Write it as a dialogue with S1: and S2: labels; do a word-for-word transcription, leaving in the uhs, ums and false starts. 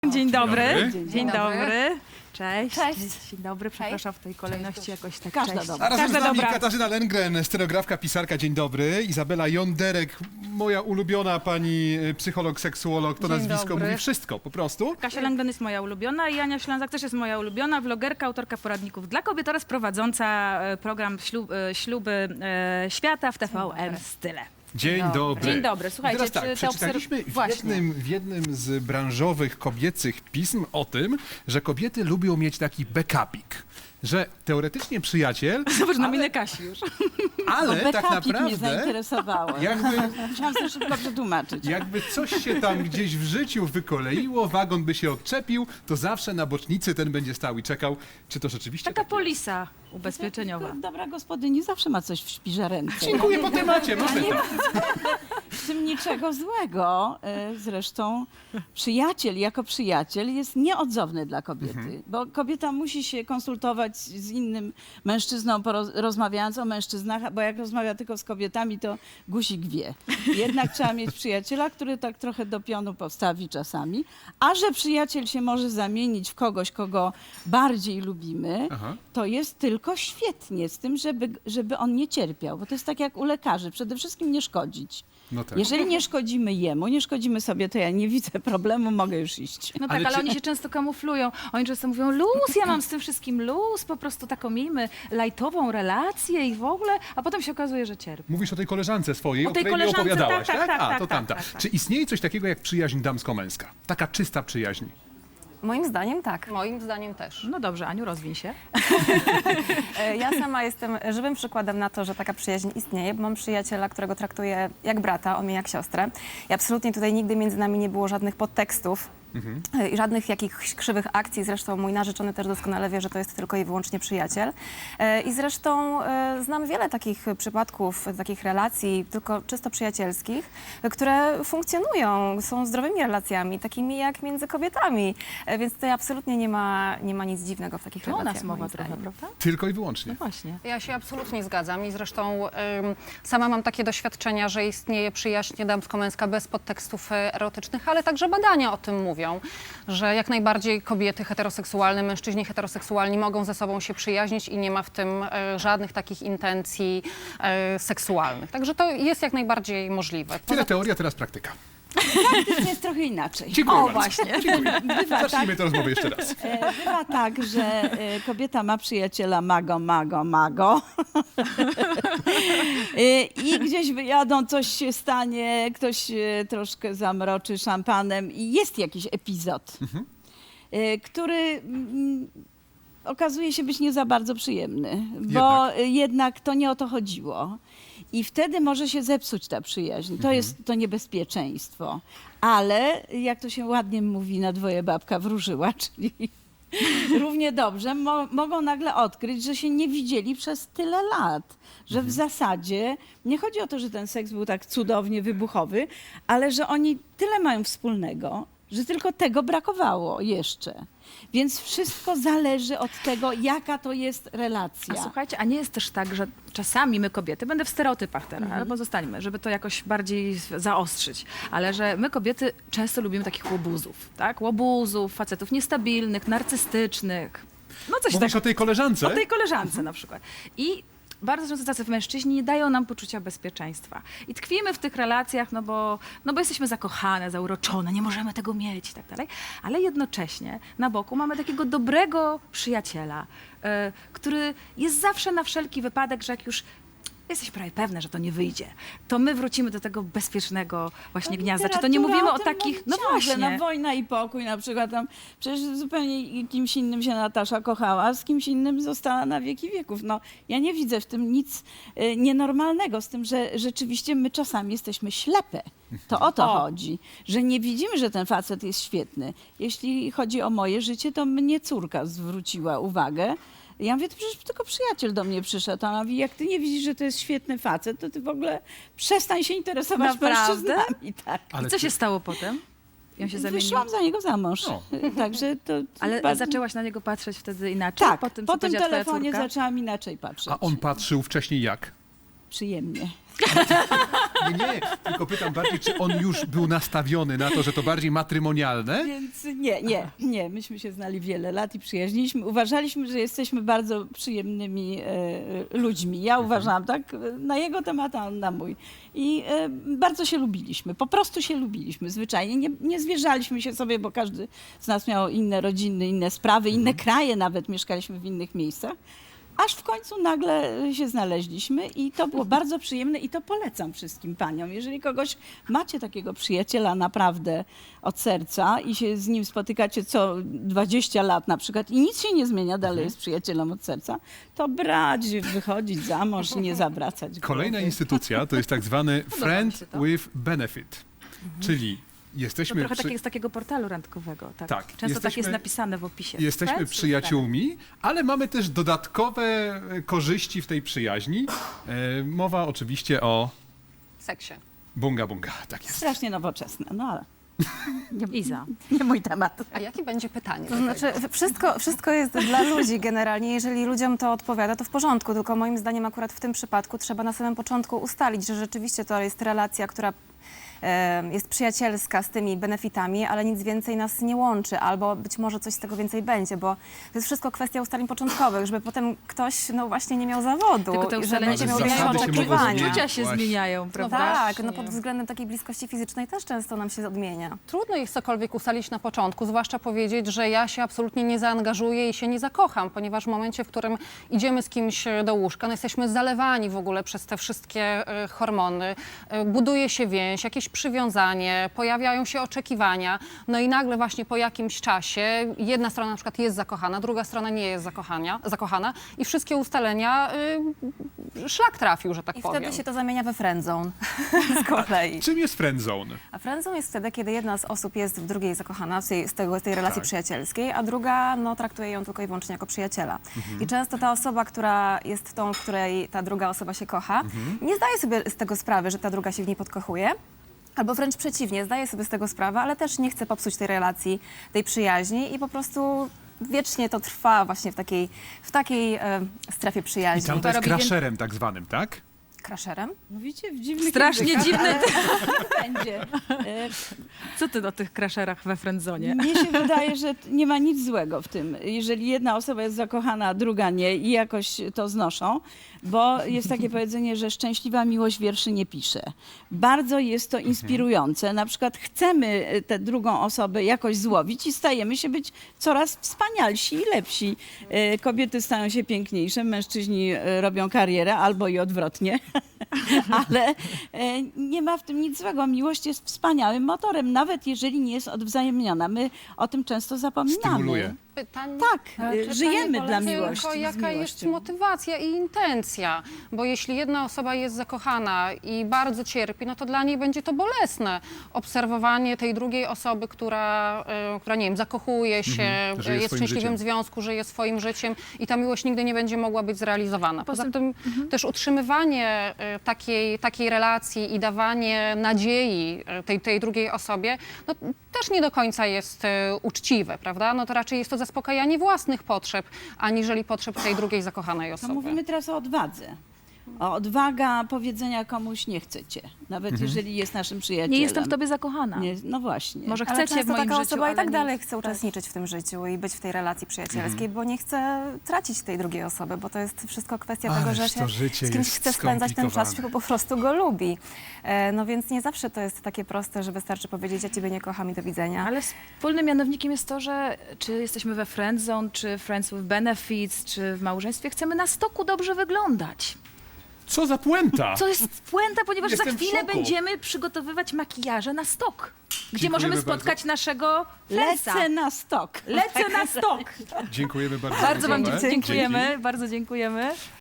S1: Dzień dobry.
S2: dobry.
S1: Dzień,
S3: Dzień dobry.
S1: dobry. Cześć.
S3: Cześć.
S1: Dzień dobry, przepraszam w tej kolejności jakoś tak.
S3: Każda
S1: cześć.
S3: dobra.
S2: A razem
S1: Każda
S2: z nami
S1: dobra.
S2: Katarzyna Lengren, scenografka, pisarka. Dzień dobry. Izabela Jonderek, moja ulubiona pani y, psycholog, seksuolog. To
S3: Dzień
S2: nazwisko
S3: dobry.
S2: mówi wszystko, po prostu.
S1: Kasia Langdon jest moja ulubiona i Ania Ślązak też jest moja ulubiona, vlogerka, autorka poradników dla kobiet oraz prowadząca e, program ślub, e, Śluby e, Świata w T V N Style.
S2: Dzień
S3: dobry.
S2: dobry.
S1: Dzień dobry.
S2: I
S1: Słuchajcie,
S2: teraz tak,
S1: czy te
S2: przeczytaliśmy
S1: obserw-
S2: w
S1: Właśnie.
S2: jednym, w jednym z branżowych kobiecych pism o tym, że kobiety lubią mieć taki backupik. Że teoretycznie przyjaciel,
S1: Zobacz na
S2: ale,
S1: minę Kasi już.
S2: ale tak
S3: Backupik mnie
S2: naprawdę
S3: zainteresowało.
S2: jakby,
S3: Musiałam sobie szybko przetłumaczyć.
S2: jakby coś się tam gdzieś w życiu wykoleiło, wagon by się odczepił, to zawsze na bocznicy ten będzie stał i czekał, czy to rzeczywiście
S1: Taka
S2: tak jest.
S1: polisa ubezpieczeniowa.
S3: Dobra gospodyni zawsze ma coś w szpiżarence.
S2: Dziękuję po temacie, mamy to.
S3: W tym niczego złego. E, Zresztą przyjaciel jako przyjaciel jest nieodzowny dla kobiety,
S2: Mhm.
S3: bo kobieta musi się konsultować z innym mężczyzną, poroz- rozmawiając o mężczyznach, bo jak rozmawia tylko z kobietami, to guzik wie. Jednak trzeba mieć przyjaciela, który tak trochę do pionu postawi czasami, a że przyjaciel się może zamienić w kogoś, kogo bardziej lubimy,
S2: Aha.
S3: to jest tylko świetnie z tym, żeby, żeby on nie cierpiał, bo to jest tak jak u lekarzy, przede wszystkim nie szkodzić.
S2: No tak.
S3: Jeżeli nie szkodzimy jemu, nie szkodzimy sobie, to ja nie widzę problemu, mogę już iść.
S1: No
S2: Ale
S1: tak, ale
S2: czy-
S1: oni się często kamuflują. Oni często mówią, luz, ja mam z tym wszystkim luz, po prostu taką miejmy lajtową relację i w ogóle, a potem się okazuje, że cierpi.
S2: Mówisz o tej koleżance swojej,
S1: O
S2: o,
S1: tej
S2: której mi
S1: koleżance,
S2: opowiadałaś,
S1: tak,
S2: tak?
S1: tak, tak,
S2: A,
S1: tak,
S2: to
S1: tak,
S2: tamta.
S1: tak, tak.
S2: Czy istnieje coś takiego jak przyjaźń damsko-męska? Taka czysta przyjaźń.
S4: Moim zdaniem tak. Moim zdaniem też.
S1: No dobrze, Aniu, rozwiń się.
S4: E, Ja sama jestem żywym przykładem na to, że taka przyjaźń istnieje, bo mam przyjaciela, którego traktuję jak brata, on mnie jak siostrę. I absolutnie tutaj nigdy między nami nie było żadnych podtekstów. e, I żadnych jakichś krzywych akcji. Zresztą mój narzeczony też doskonale wie, że to jest tylko i wyłącznie przyjaciel. E, I zresztą e, znam wiele takich przypadków, takich relacji, tylko czysto przyjacielskich, e, które funkcjonują, są zdrowymi relacjami, takimi jak między kobietami. E, Więc tutaj absolutnie nie ma, nie ma nic dziwnego w takich
S1: To o
S4: relacjach.
S1: nas mowa
S4: moim
S1: trochę,
S4: zdaniem.
S1: prawda?
S2: Tylko i wyłącznie.
S1: No właśnie.
S5: Ja się absolutnie zgadzam i zresztą ym, sama mam takie doświadczenia, że istnieje przyjaźń damsko-męska bez podtekstów e, erotycznych, ale także badania o tym mówią, że jak najbardziej kobiety heteroseksualne, mężczyźni heteroseksualni mogą ze sobą się przyjaźnić i nie ma w tym e, żadnych takich intencji e, seksualnych. Także to jest jak najbardziej możliwe.
S2: Tyle teoria, teraz praktyka.
S3: To jest trochę inaczej.
S2: Dziękuję
S3: O,
S2: bardzo.
S3: właśnie.
S2: Dziękuję.
S3: Bywa tak,
S2: Zacznijmy tę rozmowę jeszcze raz.
S3: e, bywa tak, że e, kobieta ma przyjaciela mago, mago, mago. E, I gdzieś wyjadą, coś się stanie, ktoś się troszkę zamroczy szampanem i jest jakiś epizod, e, który mm, okazuje się być nie za bardzo przyjemny, bo
S2: Jednak.
S3: jednak to nie o to chodziło. I wtedy może się zepsuć ta przyjaźń. To jest to niebezpieczeństwo. Ale, jak to się ładnie mówi, na dwoje babka wróżyła, czyli równie dobrze mo mogą nagle odkryć, że się nie widzieli przez tyle lat. Że w zasadzie nie chodzi o to, że ten seks był tak cudownie wybuchowy, ale że oni tyle mają wspólnego, że tylko tego brakowało jeszcze. Więc wszystko zależy od tego, jaka to jest relacja.
S1: A słuchajcie, a nie jest też tak, że czasami my kobiety, będę w stereotypach teraz, ale pozostańmy, żeby to jakoś bardziej zaostrzyć, ale że my kobiety często lubimy takich łobuzów, tak? Łobuzów, facetów niestabilnych, narcystycznych. No coś
S2: Mówisz
S1: takiego.
S2: o tej koleżance?
S1: O tej koleżance na przykład. I bardzo często tacy mężczyźni nie dają nam poczucia bezpieczeństwa. I tkwimy w tych relacjach, no bo, no bo jesteśmy zakochane, zauroczone, nie możemy tego mieć i tak dalej. Ale jednocześnie na boku mamy takiego dobrego przyjaciela, y, który jest zawsze na wszelki wypadek, że jak już jesteś prawie pewna, że to nie wyjdzie, to my wrócimy do tego bezpiecznego właśnie gniazda. Czy to nie
S3: Literatura
S1: mówimy o
S3: tym
S1: takich...
S3: mówi
S1: No
S3: ciągle,
S1: właśnie.
S3: No wojna i pokój na przykład tam, przecież zupełnie kimś innym się Natasza kochała, a z kimś innym została na wieki wieków. No ja nie widzę w tym nic y, nienormalnego, z tym, że rzeczywiście my czasami jesteśmy ślepe. To o to
S1: O.
S3: chodzi, że nie widzimy, że ten facet jest świetny. Jeśli chodzi o moje życie, to mnie córka zwróciła uwagę. Ja mówię, to przecież tylko przyjaciel do mnie przyszedł. A ona mówi, jak ty nie widzisz, że to jest świetny facet, to ty w ogóle przestań się interesować
S1: Naprawdę?
S3: mężczyznami. Tak.
S2: Ale
S1: I co
S2: ty-
S1: się stało potem? I on się zamienił?
S3: Wyszłam za niego za mąż.
S2: No.
S3: Także to, to
S1: Ale
S3: bardzo...
S1: zaczęłaś na niego patrzeć wtedy inaczej?
S3: Tak,
S1: po tym,
S3: po
S1: co
S3: tym
S1: powiedziała twoja
S3: telefonie
S1: córka?
S3: zaczęłam inaczej patrzeć.
S2: A on patrzył wcześniej jak?
S3: Przyjemnie.
S2: Nie, nie, tylko pytam bardziej, czy on już był nastawiony na to, że to bardziej matrymonialne?
S3: Więc nie, nie, nie. Myśmy się znali wiele lat i przyjaźniliśmy. Uważaliśmy, że jesteśmy bardzo przyjemnymi e, ludźmi. Ja uważałam tak na jego temat, a on na mój. I e, bardzo się lubiliśmy. Po prostu się lubiliśmy zwyczajnie. Nie, nie zwierzaliśmy się sobie, bo każdy z nas miał inne rodziny, inne sprawy, inne kraje nawet. Mieszkaliśmy w innych miejscach. Aż w końcu nagle się znaleźliśmy i to było bardzo przyjemne i to polecam wszystkim paniom. Jeżeli kogoś macie takiego przyjaciela naprawdę od serca i się z nim spotykacie co dwadzieścia lat na przykład i nic się nie zmienia, dalej jest przyjacielem od serca, to brać, wychodzić za mąż i nie zawracać
S2: Kolejna
S3: głowy.
S2: instytucja to jest tak zwany
S1: Podoba mi
S2: friend
S1: się to.
S2: with benefit, czyli
S1: To
S2: jesteśmy,
S1: trochę
S2: przy,
S1: takie z takiego portalu randkowego. Tak.
S2: Tak,
S1: Często tak
S2: jesteśmy-
S1: jest napisane w opisie.
S2: jesteśmy
S1: Friends with
S2: przyjaciółmi, ale mamy też dodatkowe e, korzyści w tej przyjaźni. E, mowa oczywiście o
S5: Seksie.
S2: bunga bunga, tak jest.
S3: Strasznie nowoczesne, no ale
S1: benefit. Iza.
S3: nie mój temat.
S5: A jakie będzie pytanie?
S4: To
S5: do
S4: znaczy,
S5: tego?
S4: wszystko, wszystko jest dla ludzi generalnie. Jeżeli ludziom to odpowiada, to w porządku. Tylko moim zdaniem akurat w tym przypadku trzeba na samym początku ustalić, że rzeczywiście to jest relacja, która e, jest przyjacielska z tymi benefitami, ale nic więcej nas nie łączy, albo być może coś z tego więcej będzie, bo to jest wszystko kwestia ustaleń początkowych, żeby potem ktoś, no właśnie, nie miał zawodu.
S1: Tylko te
S4: i
S1: ustalenia
S4: żeby
S1: się
S4: nie miał
S2: Zasady
S1: zmieniają,
S2: się mogą
S4: oczekiwania.
S2: zmieniać.
S1: uczucia się
S2: Właśnie.
S1: zmieniają,
S4: No
S1: prawda?
S4: tak, no
S5: Właśnie.
S4: pod względem takiej bliskości fizycznej też często nam się odmienia.
S5: Trudno jest cokolwiek ustalić na początku, zwłaszcza powiedzieć, że ja się absolutnie nie zaangażuję i się nie zakocham, ponieważ w momencie, w którym idziemy z kimś do łóżka, no jesteśmy zalewani w ogóle przez te wszystkie e, hormony, e, buduje się więź, jakieś przywiązanie, pojawiają się oczekiwania, no i nagle właśnie po jakimś czasie jedna strona na przykład jest zakochana, druga strona nie jest zakochania, zakochana i wszystkie ustalenia y, szlak trafił, że tak
S4: I
S5: powiem.
S4: wtedy się to zamienia we friendzone z kolei.
S2: Czym jest friendzone?
S4: A friendzone jest wtedy, kiedy jedna z osób jest w drugiej zakochana, z tej, z tego, z tej relacji
S2: Tak.
S4: przyjacielskiej, a druga no, traktuje ją tylko i wyłącznie jako przyjaciela.
S2: Mhm.
S4: I często ta osoba, która jest tą, w której ta druga osoba się kocha,
S2: Mhm.
S4: nie zdaje sobie z tego sprawy, że ta druga się w niej podkochuje. Albo wręcz przeciwnie, zdaje sobie z tego sprawę, ale też nie chce popsuć tej relacji, tej przyjaźni i po prostu wiecznie to trwa właśnie w takiej, w takiej e, strefie
S2: I
S4: przyjaźni.
S2: tam to jest
S1: robi wię-
S2: crasherem tak zwanym, tak?
S4: Crasherem?
S3: Mówicie w dziwnych
S1: Strasznie
S3: językach,
S1: dziwne.
S3: ale będzie. E,
S1: Co ty o tych crasherach we friendzonie?
S3: Mnie się wydaje, że t- nie ma nic złego w tym, jeżeli jedna osoba jest zakochana, a druga nie i jakoś to znoszą, bo jest takie powiedzenie, że szczęśliwa miłość wierszy nie pisze. Bardzo jest to inspirujące. Na przykład chcemy tę drugą osobę jakoś złowić i stajemy się być coraz wspanialsi i lepsi. E, Kobiety stają się piękniejsze, mężczyźni e, robią karierę albo i odwrotnie. Ale e, nie ma w tym nic złego. Miłość jest wspaniałym motorem, nawet jeżeli nie jest odwzajemniona. My o tym często zapominamy.
S2: Stymuluje.
S5: Pytanie,
S3: Tak,
S4: Ale
S3: e,
S4: czy
S3: żyjemy
S4: to nie
S3: dla
S4: polega
S3: miłości.
S5: Tylko
S3: z
S5: jaka jest
S3: miłością.
S5: motywacja i intencja, bo jeśli jedna osoba jest zakochana i bardzo cierpi, no to dla niej będzie to bolesne. Obserwowanie tej drugiej osoby, która, e, która nie wiem, zakochuje się,
S2: Mhm, żyje
S5: jest w
S2: swoim
S5: szczęśliwym
S2: życiem.
S5: związku, żyje swoim życiem i ta miłość nigdy nie będzie mogła być zrealizowana. Poza
S1: Poza-
S5: tym też utrzymywanie e, takiej, takiej relacji i dawanie nadziei e, tej, tej drugiej osobie, no, też nie do końca jest e, uczciwe, prawda? No to raczej jest to zaspokajanie własnych potrzeb, aniżeli potrzeb tej drugiej zakochanej
S3: No
S5: osoby.
S3: mówimy teraz o odwadze. O odwaga powiedzenia komuś nie chcę cię, nawet
S2: Mhm.
S3: jeżeli jest naszym przyjacielem.
S1: Nie jestem w tobie zakochana.
S3: Nie, no właśnie.
S1: Może
S4: Ale
S1: chcecie w
S4: często
S1: moim
S4: taka
S1: życiu,
S4: osoba i
S1: ale
S4: tak
S1: nie-
S4: dalej chce uczestniczyć w tym życiu i być w tej relacji przyjacielskiej, bo nie chce tracić tej drugiej osoby, bo to jest wszystko kwestia
S2: Ależ
S4: tego, że
S2: to
S4: się
S2: życie
S4: z kimś
S2: jest
S4: chce spędzać ten czas,
S2: skomplikowane.
S4: bo po prostu go lubi. E, No więc nie zawsze to jest takie proste, że wystarczy powiedzieć, ja ciebie nie kocham i do widzenia.
S1: Ale wspólnym mianownikiem jest to, że czy jesteśmy we friendzone, czy friends with benefits, czy w małżeństwie, chcemy na stoku dobrze wyglądać.
S2: Co za puenta!
S1: Co jest puenta, ponieważ
S2: Jestem
S1: za
S2: w
S1: chwilę
S2: szoku.
S1: będziemy przygotowywać makijaże na stok, gdzie
S2: Dziękujemy
S1: możemy
S2: bardzo.
S1: spotkać naszego friendsa.
S3: Lecę na stok.
S1: Lecę na stok.
S2: Dziękujemy bardzo.
S1: Bardzo wam
S2: za rozmowę.
S1: dziękujemy, bardzo dziękujemy.